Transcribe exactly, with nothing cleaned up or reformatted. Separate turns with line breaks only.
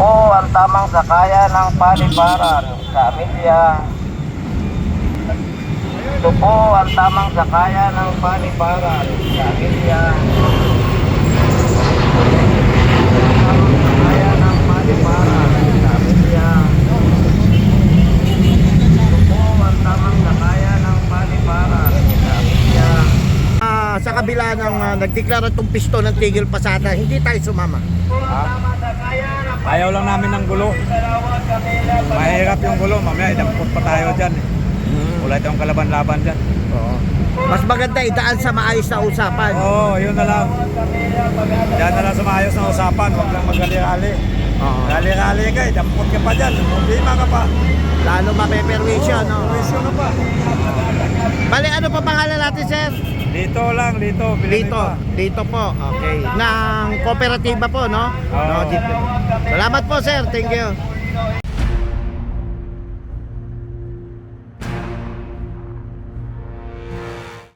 po ang tamang sakayan ng paliparan sa Amelia. Ito po ang tamang sakayan ng paliparan sa Amelia. Sakayan ng paliparan sa Amelia. Ito po ang tamang sakayan ng paliparan sa Amelia.
Ah, sa kabila ng uh, nagdeklara itong pisto ng tigil pasada, hindi tayo sumama.
Ha? Ayaw lang namin ng gulo. Mahirap yung gulo, mamaya idampot pa tayo dyan. Wala tayong kalaban-laban dyan.
Oo. Mas maganda idaan sa maayos na usapan.
Oo, oh, yun na lang. Diyan na lang sa maayos na usapan, huwag lang magali-gali.
Oo.
Gali-gali ka, idampot ka pa dyan. Problema ka pa.
Lalo mapeperwisyo, no?
Perwisyo ka pa.
Bali, ano pa pangalan natin, sir?
Dito lang, dito.
Dito, dito po. Okay. Ng kooperatiba po, no?
Oo.
No, dito. Salamat po, sir. Thank you.